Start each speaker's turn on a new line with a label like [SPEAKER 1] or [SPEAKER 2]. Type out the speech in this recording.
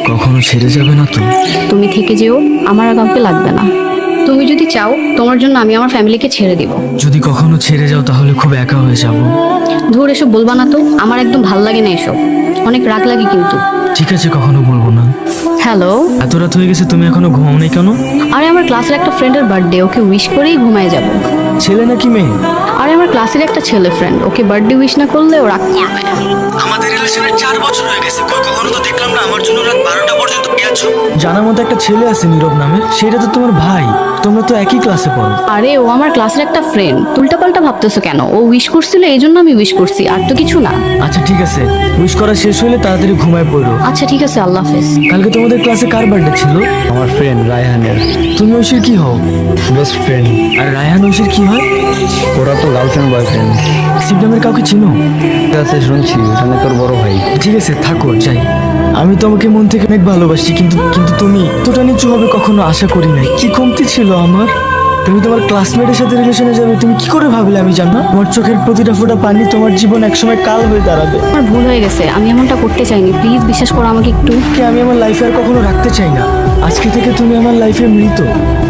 [SPEAKER 1] কখনো ছেড়ে যাবে না তো?
[SPEAKER 2] তুমি থেকে যেও, আমার আর কাউকে লাগবে না। তুমি যদি চাও তোমার জন্য আমি আমার ফ্যামিলিকে ছেড়ে দিব।
[SPEAKER 1] যদি কখনো ছেড়ে যাও তাহলে খুব একা হয়ে যাব।
[SPEAKER 2] ধুর, এসব বলবা না তো, আমার একদম ভাল লাগে না এসব, অনেক রাগ লাগে কিন্তু।
[SPEAKER 1] ঠিক আছে, কখনো বলবো না।
[SPEAKER 2] হ্যালো।
[SPEAKER 1] এত রাত হয়ে গেছে, তুমি এখনো ঘুমাও নাই কেন?
[SPEAKER 2] আরে আমার ক্লাসের একটা ফ্রেন্ডের বার্থডে, ওকে উইশ করেই ঘুমায় যাব।
[SPEAKER 1] ছেলে নাকি মেয়ে?
[SPEAKER 2] আরে আমার ক্লাসের একটা ছেলে ফ্রেন্ড, ওকে বার্থডে উইশ না করলে ও রাগ করবে।
[SPEAKER 1] আমাদের রিলেশনের 4 বছর হয়ে গেছে, কখনো তো দেখলাম না আমার জন্য রাত 12টা পর্যন্ত গেছো। জানার মতো একটা ছেলে আছে নীরব নামে, সেটা তো তোমার ভাই, তোমরা তো একই ক্লাসে পড়ো।
[SPEAKER 2] আরে ও আমার ক্লাসের একটা ফ্রেন্ড, উল্টাপাল্টা ভাবতেছো কেন? ও উইশ করছিল এই জন্য আমি উইশ করছি, আর তো কিছু না।
[SPEAKER 1] আচ্ছা ঠিক আছে, উইশ করা শেষ হলে তাড়াতাড়ি ঘুমায় পড়ো।
[SPEAKER 2] আচ্ছা ঠিক আছে, আল্লাহ হাফেজ।
[SPEAKER 1] কালকে তোমাদের ক্লাসে কার বার্থডে ছিল?
[SPEAKER 3] আমার ফ্রেন্ড রায়হানের
[SPEAKER 1] তুমি ঐশীর কি হও?
[SPEAKER 3] Best friend.
[SPEAKER 1] আর রায়হান ঐশীর কি হয়?
[SPEAKER 3] ওরা তো গার্লফ্রেন্ড বয়ফ্রেন্ড।
[SPEAKER 1] শিব নামের কাউকে চিনো?
[SPEAKER 3] ঠিক আছে, শুনছি ওখানে তোর বড় ভাই।
[SPEAKER 1] ঠিক আছে থাকো, যাই। আমি তোমাকে মন থেকে অনেক ভালোবাসি, কিন্তু কিন্তু তুমি এতটা নিচু হবে কখনো আশা করি নাই। কি কমতি ছিল আমার? তুমি তোমার ক্লাসমেটের সাথে রিলেশনে যাবে, তুমি কি করে ভাবলে আমি জানো? তোমার চোখের প্রতিটা ফোঁটা পানি তোমার জীবন একসময় কাল হয়ে দাঁড়াবে।
[SPEAKER 2] আমার ভুল হয়ে গেছে, আমি এমনটা করতে চাইনি, প্লিজ বিশ্বাস করো আমাকে একটু।
[SPEAKER 1] কে আমি আমার লাইফে আর কখনো রাখতে চাই না। আজকে থেকে তুমি আমার লাইফে মৃত।